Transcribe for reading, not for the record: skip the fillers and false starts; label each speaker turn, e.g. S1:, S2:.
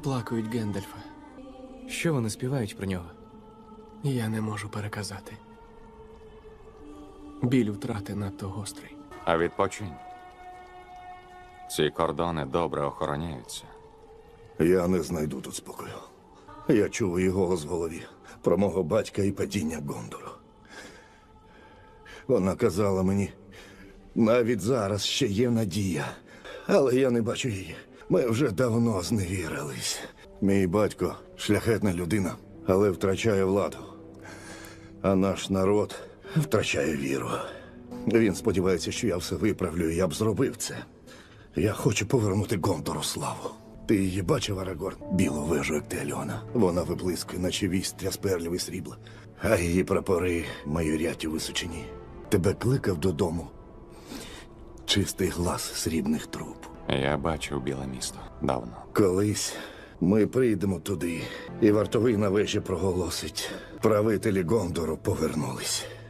S1: оплакують Гендальфа.
S2: Що вони співають про нього?
S1: Я не можу переказати. Біль втрати надто гострий.
S3: А відпочинь. Ці кордони добре охороняються.
S4: Я не знайду тут спокою. Я чув її голос в голові про мого батька і падіння Гондору. Вона казала мені, навіть зараз ще є надія. Але я не бачу її. Ми вже давно зневірились. Мій батько шляхетна людина, але втрачає владу. А наш народ втрачає віру. Він сподівається, що я все виправлю, і я б зробив це. Я хочу повернути Гондору славу. Ти її бачив, Арагорн? Білу вежу Ектеліона. Вона виблискує, наче вістря з перлів і срібла. А її прапори майорять у височині. Тебе кликав додому чистий глас срібних труб.
S3: Я бачив біле місто давно.
S4: Колись ми прийдемо туди, і вартовий на вежі проголосить: правителі Гондору повернулись.